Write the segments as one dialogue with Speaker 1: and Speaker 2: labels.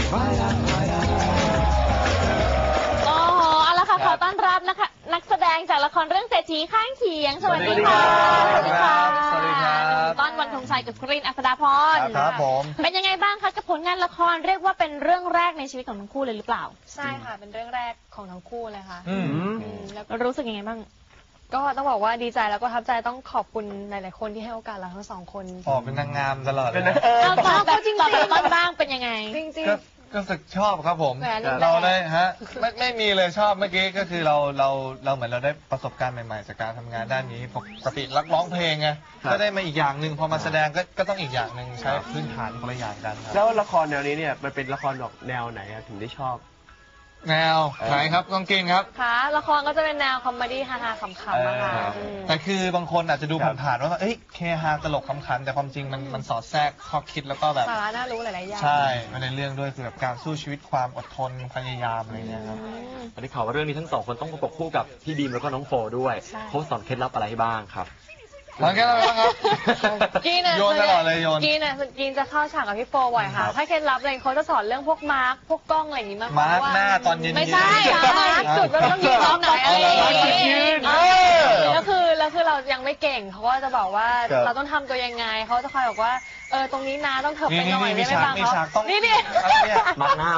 Speaker 1: โอ้โหเอาละค่ะขอต้อนรับนะคะนักแสดงจากละครเรื่องเศรษฐีข้างเคียงสวัสดีค่ะ
Speaker 2: สวัสดีครับสวัสดีครับ
Speaker 1: ต้อนวันธงชัยกับกรีนอัศดาพร
Speaker 2: ครับผม
Speaker 1: เป็นยังไงบ้างคะกับผลงานละครเรียกว่าเป็นเรื่องแรกในชีวิตของทั้งคู่เลยหรือเปล่า
Speaker 3: ใช่ค่ะเป็นเรื่องแรกของทั้งคู่เลยค่ะ
Speaker 1: แล้วรู้สึกยังไงบ้าง
Speaker 3: ก็ต้องบอกว่าดีใจแล้วก็ทับใจต้องขอบคุณหลายๆคนที่ให้โอกาสเราทั้งสองคน
Speaker 2: เป็นนางงามตลอดเลย
Speaker 1: แบบจริงๆต้นบ้างเป็นยังไง
Speaker 3: จริง
Speaker 2: ก็รู้สึกชอบครับผมเราได้ฮะไม่มีเลยชอบเมื่อกี้ก็คือเราเหมือนเราได้ประสบการณ์ใหม่ๆจากการทำงานด้านนี้ปกติรักร้องเพลงไงก็ได้มาอีกอย่างหนึ่งพอมาแสดงก็ต้องอีกอย่างหนึ่งใช้พื้นฐานคนละอย่างกันครับ
Speaker 4: แล้วละครแนวนี้เนี่ยมันเป็นละครออกแนวไหนถึงได้ชอบ
Speaker 2: แนวไหนครับกองกินครับ
Speaker 3: ค่ะละครก็จะเป็นแนวคอมเมดี้ฮาๆขำๆนะคะ
Speaker 2: แต่คือบางคนอาจจะดูผ่านๆว่าเคฮาตลกขำๆแต่ความจริงมันสอดแทรกข้อคิดแล้วก็แบบ
Speaker 3: สาระน่ารู้หลายๆอย่าง
Speaker 2: ใช่ในเรื่องด้วยคือแบบการสู้ชีวิตความอดทนพยายามอะไรเงี้ยครับ
Speaker 5: ตอนนี้ข่าวว่าเรื่องนี้ทั้งสองคนต้องประกบคู่กับพี่บีมแล้วก็น้องโฟด้วยเขาสอนเคล็ดลับอะไรให้บ้างครับ
Speaker 2: หลังแค่นั้นครับโยนตลอดเลยโยน
Speaker 3: กินจะเข้าฉากกับพี่โฟบ่อยค่ะถ้าเคล็ดลับอะไรเขาจะสอนเรื่องพวกมาร์คพวกกล้องอะไรอย่างนี้มาก
Speaker 2: มาร์คหน้าตอนเย็น
Speaker 3: ไม่ใช่มาร์คจุดว่าต้องยืนตรงไหนอะไรอย่างนี้แล้วคือเรายังไม่เก่งเขาก็จะบอกว่าเราต้องทำตัวยังไงเขาจะคอยบอกว่าตรงนี้นะต้องเถิบไปหน่อยไม่ฟังเขานี่
Speaker 5: มาหน้า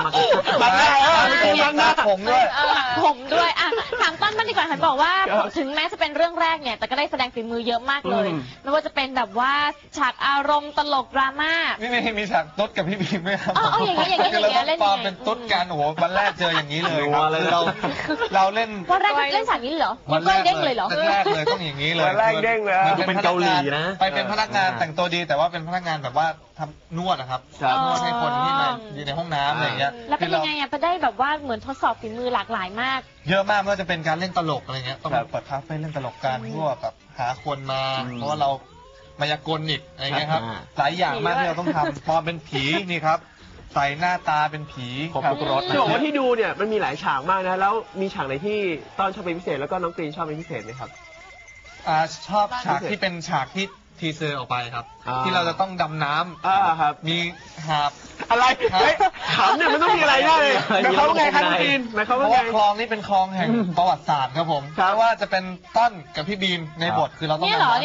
Speaker 2: ผมด้วย
Speaker 1: อ่ะถามต้นบ้างดีกว่าเห็นบอกว่าถึงแม้จะเป็นเรื่องแรกเนี่ยแต่ก็ได้แสดงฝีมือเยอะมากเลยไม่ว่าจะเป็นแบบว่าฉากอารมณ์ตลกดราม่า
Speaker 2: นี่มีฉากตุ๊ดกับพี่บีมไหมครับ
Speaker 1: อย่างนี้
Speaker 2: เล่นเป็นตุ๊ดกันโอ้โหวันแรกเจออย่างนี้เลยครับเราเล่น
Speaker 1: วันแรกเล่นฉากนี้เหรอวันแรกเด้งเลยเหรอ
Speaker 2: วันแรกเลยต้องอย่างนี้เลย
Speaker 4: วันแรกเด้งเลย
Speaker 5: เป็นเกาหลีนะ
Speaker 2: ไปเป็นพนักงานแต่งตัวดีแต่ว่าเป็นพนักงานแบบว่าทำนวดนะครับนวดให้คนที่มาอยู่ในห้องน้ำอะไรอย่างเงี้ย
Speaker 1: แล้วเป็นยังไงไปได้แบบว่าเหมือนทดสอบฝีมือหลากหลายมาก
Speaker 2: เยอะมากไม่ว่าจะเป็นการเล่นตลกอะไรเงี้ยต้องเปิดคาเฟ่เล่นตลกกันพวกแบบหาคนมาเพราะว่าเรามายากลอีกอะไรเงี้ยครับหลายอย่างมากที่เราต้องทำปลอมเป็นผีนี่ครับใส่หน้าตาเป็นผี
Speaker 5: ขับรถ
Speaker 4: จะบอกว่าที่ดูเนี่ยมันมีหลายฉากมากนะแล้วมีฉากไหนที่ต้นชอบเป็นพิเศษแล้วก็น้องกรีนชอบเป็นพิเศษไหมครับ
Speaker 2: ชอบฉากที่เป็นฉากที่ทีเซอร์ออกไปครับที่เราจะต้องดำน้
Speaker 4: ำครับ
Speaker 2: มีหาบ
Speaker 4: อะไรขำเนี่ยมันต้องมีอะไรได้เลยเขาไงครับน้องกรีนเพราะ
Speaker 2: ว่าคลองนี้เป็นคลองแห่งประวัติศาสตร์ครับผมเพราะว่าจะเป็นต้นกับพี่บีมในบทคือเราต้อง
Speaker 1: เนี่ยเหรอ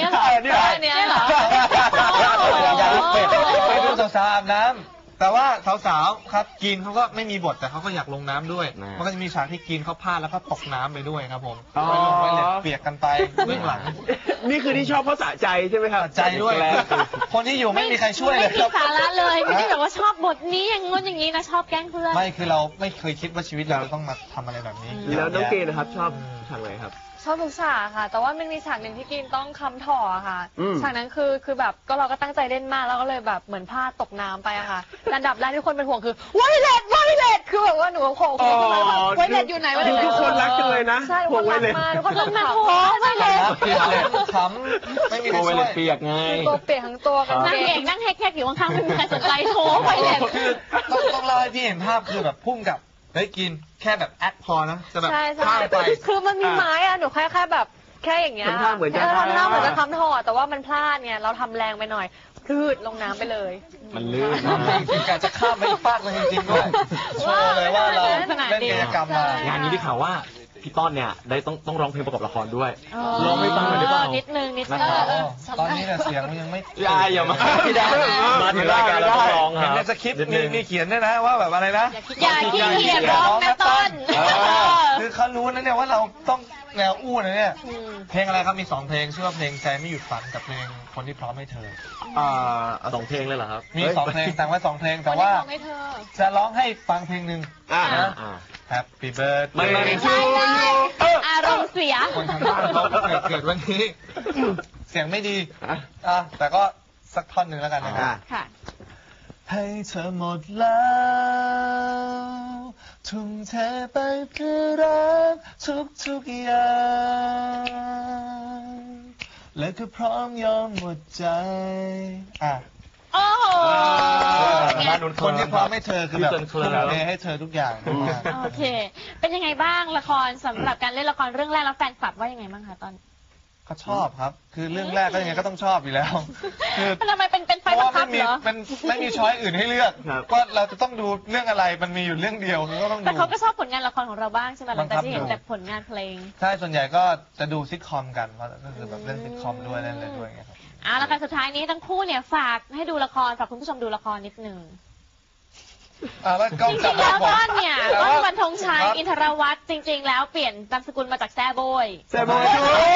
Speaker 2: ไปดูสาวๆอาบน้ำแต่ว่าสาวๆครับกินเขาก็ไม่มีบทแต่เขาก็อยากลงน้ำด้วยมันก็จะมีฉากที่กินเขาพลาดแล้วก็ตกน้ำไปด้วยครับผมไปลงไปเล็ดเปียกกันไปเบื้องหลัง
Speaker 4: นี่คือที่ชอบเพราะสะใจใช่ไหมครับ
Speaker 2: ใจด้วยคนที่อยู่ไม่มีใครช่วยเลย
Speaker 1: ไม่มีสาระเลยไม่ได้แบบว่าชอบบทนี้อย่างงู้นอย่างนี้นะชอบแกล้งเพื่อน
Speaker 2: ไม่คือเราไม่เคยคิดว่าชีวิตเราจะต้องมาทำอะไรแบบนี้
Speaker 4: แล้วน้องเกณฑ์นะครับชอบฉากไหนครับ
Speaker 3: ชอบทุกฉากค่ะแต่ว่ามันมีฉากหนึ่งที่กินต้องคำถ่อค่ะฉากนั้นคือแบบก็เราก็ตั้งใจเล่นมากแล้วก็เลยแบบเหมือนพลาดตกน้ำไปอะค่ะอันดับแรกที่คนเป็นห่วงคือไวเลตคือแบบว่าหนูโผล่ไวเลตอยู่ไหน
Speaker 4: ทุกคนรักจังเลยนะ
Speaker 3: ใช่คนรักมากทุกคนรักมาก
Speaker 1: โอ้ไวเลต
Speaker 2: ขำไม่มีใครช่วย
Speaker 5: เปียกไง
Speaker 3: ตัวเปียกทั้งตัวกัน
Speaker 1: นั่งเอกนั่งแฮกอยู่ข้างๆไม่มีใครสนใจโชว์ไวเลต
Speaker 2: คือต้องเล่าให้พี่เห็นภาพคือแบบพุ่งกับได้กินแค่แบบแอคพอนะจะแบบ
Speaker 3: ข้ามไปคือมันมีไม้อะหนูแค่แบบแค่อย่างเงี้ย
Speaker 4: ทำท่าเหมือนจะ
Speaker 3: ทำท่อแต่ว่ามันพลาดเนี่ยเราทำแรงไปหน่อยพลืดลงน้ำไปเลย
Speaker 5: มันลื่น
Speaker 2: คือการจะข้ามไปฟากเลยจริงๆด้วยโชว์เลยว่าเราเล่นกิจกรรมมาง
Speaker 5: านนี้ได้ข่าวว่าพี่ต้นเนี่ยได้ต้องร้องเพลงประกอบละครด้วยร้องไม่ฟังเลยหรือเปล่า
Speaker 1: นิดนึง
Speaker 2: ตอนนี้เนี่ยเสียงมันยังไม่
Speaker 5: อย่ามามาถึงรายการแล้วร้อง
Speaker 2: ครับในสคริปต์มีเขียนด้วยนะว่าแบบอะไรนะ
Speaker 1: อย่าขี้เกียจร้องนะต้น
Speaker 2: คือเขารู้นะเนี่ยว่าเราต้องแนวอู้นะเนี่ยเพลงอะไรครับมี2เพลงชื่อว่าเพลงใจไม่หยุดฝันกับเพลงคนที่พร้อมให้เธอ
Speaker 5: 2เพลงเลยเหรอครับ
Speaker 2: มี2เพลงแต่งไว้2เพลงแต่ว่าจะร้องให้ฟังเพลงหนึ่งHappy birthday
Speaker 1: ไม่ใช่อารมณ์เสีย
Speaker 2: คนทางบ้านเขาเกิดวันนี้เสียงไม่ดีแต่ก็สักท่อนหนึ่งแล้วกันนะครับให้เธอหมดแล้วทุ่มเทไปเพื่อรักทุกอย่างและก็พร้อมยอมหมดใจ
Speaker 1: โอ้โห
Speaker 2: คนที่พร้อมให้เธอคือแบบทุ่มเทให้เธอทุกอย่าง
Speaker 1: โอเคเป็นยังไงบ้างละครสำหรับการเล่นละครเรื่องแรกแล้วแฟนคลับว่ายังไงบ้างคะตอน
Speaker 2: ก็ชอบครับ คือเรื่องแรกก็ยังไงก็ต้องชอบอยู่แล้วคือ
Speaker 1: ทำไมเป็นไฟบังคับเหรอ
Speaker 2: มันไม่มีช้อยอื่นให้เลือก
Speaker 4: ครับ
Speaker 2: ก็เราจะต้องดูเรื่องอะไรมันมีอยู่เรื่องเดียวก็ต้องดู
Speaker 1: แต่เขาก็ชอบผลงานละครของเราบ้างใช่ไหมหลังจากที่เห็น
Speaker 2: บังคับ
Speaker 1: แต่ผลงานเพลง
Speaker 2: ใช่ส่วนใหญ่ก็จะดูซิทคอมกันเพราะก็คือแบบเล่นซิทคอมด้วยเล่นอะไรด้วยไงครับ
Speaker 1: เอาละค่ะสุดท้ายนี้ทั้งคู่เนี่ยฝากให้ดูละครฝากคุณผู้ชมดูละครนิดนึง
Speaker 2: แล้วก็
Speaker 1: จริ
Speaker 2: จับ
Speaker 1: งๆแล้ว
Speaker 2: ผม
Speaker 1: ต้นเนี่ย
Speaker 2: แต่
Speaker 1: ต้
Speaker 2: ว่า
Speaker 1: นวันธงชัยอินทรวัฒน์จริง ๆ แล้วเปลี่ยนนามสกุลมาจากแซ่โบย
Speaker 4: แซ่โบย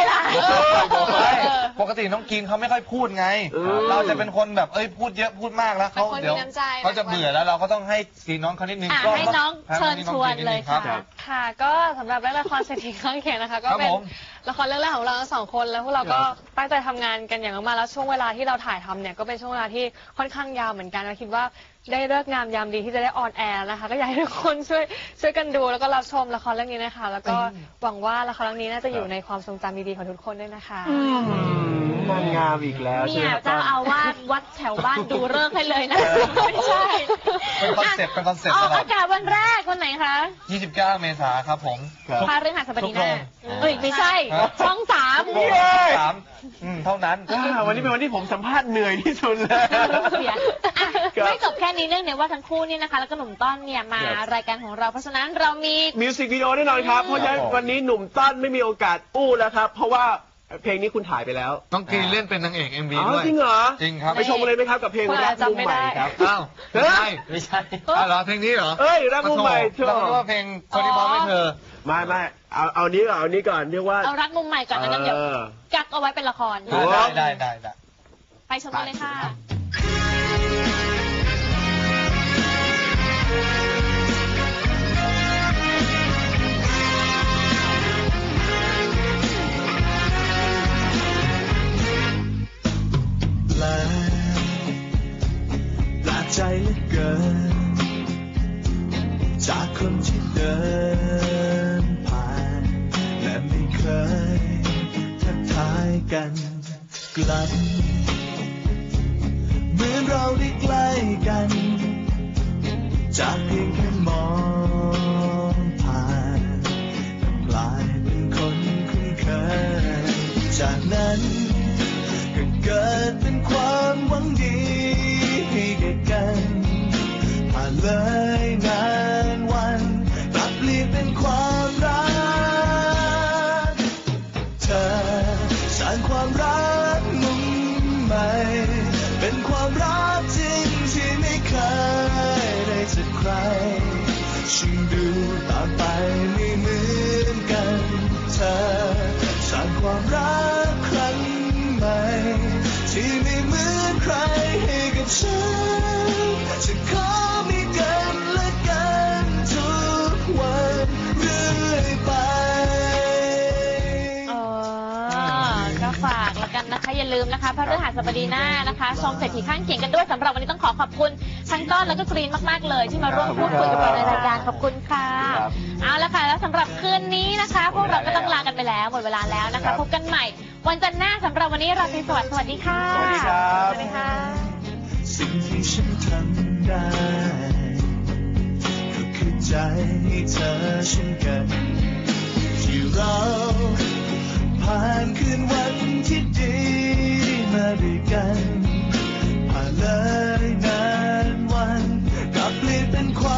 Speaker 2: ปกติน้องกินเขาไม่ค่อยพูดไง
Speaker 4: อืม
Speaker 2: เราจะเป็นคนแบบพูดเยอะพูดมากแล้วเขา
Speaker 3: เป็นคน
Speaker 2: เดี๋ยว
Speaker 3: มีน้ำใจ
Speaker 2: เขาจะเบื่อแล้วเราก็ต้องให้สีน้องเขานิดนึง
Speaker 1: อ่ะ
Speaker 2: ก็
Speaker 1: ให้น้องเชิญชวนเลยค่ะ
Speaker 2: รับ
Speaker 3: ค่ะก็สำหรับเรื่องละครเศรษฐีข้างเคียงนะคะ ก็
Speaker 2: ครับ
Speaker 3: เป็น
Speaker 2: ผม
Speaker 3: ละครเรื่องแรกของเราทั้งสองคนแล้วพวกเราก็ตั้งใจทำงานกันอย่างมากแล้วช่วงเวลาที่เราถ่ายทำเนี่ยก็เป็นช่วงเวลาที่ค่อนข้างยาวเหมือนกันเราคิดว่าได้เลิกงามยามดีที่จะได้ออนแอร์นะคะก็อยากให้ทุกคนช่วยกันดูแล้วก็รับชมละครเรื่องนี้นะคะ แล้วก็หวังว่าละครเรื่องนี้น่าจะอยู่ในความทรงจำดีๆของทุกคนด้วยนะคะ
Speaker 4: นางงามอีกแล้วใช่
Speaker 1: เนี่
Speaker 4: ไหม
Speaker 1: ย
Speaker 4: ครับ
Speaker 1: เจ้าอาวาสวัดแถวบ้านดูเลิกษ์ให้เลยนะไม่ใช่
Speaker 2: เป็นคอนเซ็ปต์เป็นคอนเซ็ปต์
Speaker 1: อ
Speaker 2: ต
Speaker 1: อก
Speaker 2: ลอด
Speaker 1: อากาศวันแรกวันไหนคะ
Speaker 2: 29 เมษายนครับผม
Speaker 4: ครับ
Speaker 1: พาเรื่องหัสบดีหน้า
Speaker 2: ทุกโรง
Speaker 1: เอ้ยไม่ใช่
Speaker 2: ครับ
Speaker 1: ช่องสาม
Speaker 2: ทุกโมง3เท่านั้น
Speaker 4: วันนี้เป็นวันที่ผมสัมภาษณ์เหนื่อยที่สุดเลย
Speaker 1: เสียอ่ะไม่จบแค่นี้เนื่องในว่าทั้งคู่เนี่ยนะคะ แล้วก็หนุ่มต้อนเนี่ยมารายการของเราเพราะฉะนั้นเรามี
Speaker 4: มิวสิกวิดีโอแน่นอนครับ เพราะฉะนั้นวันนี้หนุ่มต้นไม่มีโอกาสอู้แล้วครับ เพราะว่าเพลงนี้คุณถ่ายไปแล้ว
Speaker 2: น้องกรีนเล่นเป็นนางเอก MV
Speaker 4: อ๋อ
Speaker 2: ด้วย
Speaker 4: จริงเหรอ
Speaker 2: จริงครับ
Speaker 4: ไปชมกันเลยไหมครับกับเพลง
Speaker 3: คน
Speaker 4: รั
Speaker 3: ละ
Speaker 4: กมุม
Speaker 3: จำไม่
Speaker 4: ใหม่
Speaker 3: ได้
Speaker 4: ครับ
Speaker 2: อ้าว
Speaker 4: เฮ้ย
Speaker 5: ไม่ใช่
Speaker 2: อ้าวเหรอเพลงนี้เหรอ
Speaker 4: เอ้ยรักมุมใหม่เธอ
Speaker 2: เราคิดว่าเพลงคนที่พร้อมให้เธอ
Speaker 4: ไม่เอานี้ก่อนเอานี้ก่อนเรียกว่า
Speaker 1: เอารักมุมใหม่ก่อนแล้วกันเดี๋ยว
Speaker 4: เออ
Speaker 1: กักเอาไว้เป็นละคร
Speaker 4: โอ้
Speaker 2: ได้
Speaker 1: ไปชมกันเลยค่ะ
Speaker 6: แปลกใจเหลือเกิน จากคนที่เดินผ่านและไม่เคยทักทายกันกลับเหมือนเราได้ใกล้กัน จากเพียงแค่มองผ่านกลายเป็นคนคุ้นเคยจากนั้นก็เกิดเป็นความหวังดีให้แก่กันผ่านเลยนานวันกลับเปลี่ยนเป็นความรักเธอสร้างความรักมุมใหม่เป็นความรักจริงที่ไม่เคยได้จากใครฉันดูต่างไปไม่เหมือนกันเธอสร้างความรักครั้งใหม่ที่ไม่เหมือนใครให้กับฉันจะขอมีกันและกันทุกวันเรื่อยไป
Speaker 1: ก็ฝากแล้วกันนะคะอย่าลืมนะคะพระฤหัสบดีหน้านะคะชมเศรษฐีข้างเคียงกันด้วยสำหรับวันนี้ต้องขอบคุณทั้งต้นแล้วก็กรีนมากๆเลยที่มาร่วมพูดคุยกับเราในรายการขอบคุณค่ะเอาละค่ะแล้วสำหรับคืนนี้นะคะ พวกเราก็ต้องลากันไปแล้วหมดเวลาแล้วนะคะพบกันใหม่วันจันทร์หน้าสำหรับวันนี้ราตรีสวัสดิ์สวัสดีค่ะ
Speaker 4: สวัสดีครับ
Speaker 1: สวัสดีค่ะ
Speaker 6: สิ่งที่ฉันทำได้ก็คือใจให้เธอเช่นกันที่เราผ่านคืนวันที่ดีมาด้วยกันผ่านเลยนานวันกลับเปลี่ยนเป็นความ